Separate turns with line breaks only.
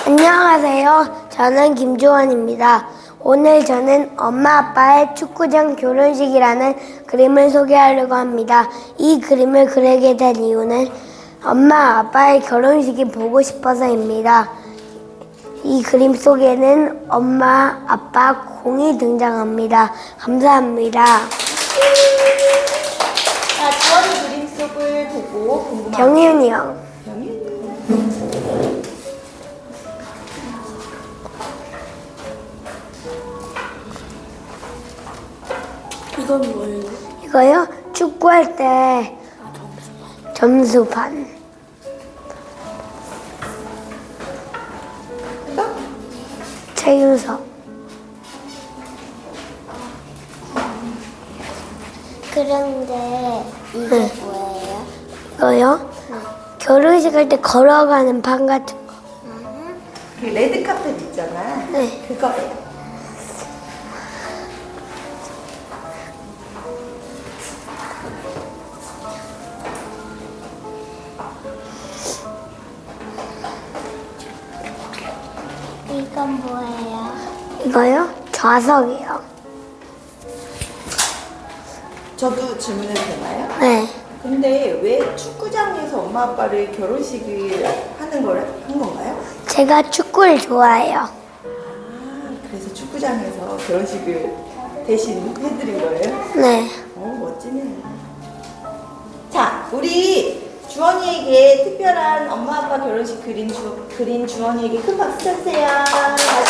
안녕하세요. 저는 김주원입니다. 오늘 저는 엄마 아빠의 축구장 결혼식이라는 그림을 소개하려고 합니다. 이 그림을 그리게 된 이유는 엄마 아빠의 결혼식이 보고 싶어서입니다. 이 그림 속에는 엄마 아빠 공이 등장합니다. 감사합니다.
자, 주원이 그림 속을 보고 궁금한
경윤이 형.
이건 뭐예요?
이거요? 축구할 때 점수판. 최윤석.
그런데 이게
네.
뭐예요?
이거요? 결혼식 할 때 걸어가는 판 같은 거.
그 레드 카펫 있잖아.
네.
그거예요.
이건 뭐예요?
이거요? 좌석이요.
저도 질문해도 되나요?
네.
근데 왜 축구장에서 엄마 아빠를 결혼식을 하는 걸 한 건가요?
제가 축구를 좋아해요.
아, 그래서 축구장에서 결혼식을 대신 해드린 거예요?
네.
멋지네요. 자, 우리 주원이에게 특별한 엄마 아빠 결혼식 그린 주원이에게 큰 박수 쳐주세요.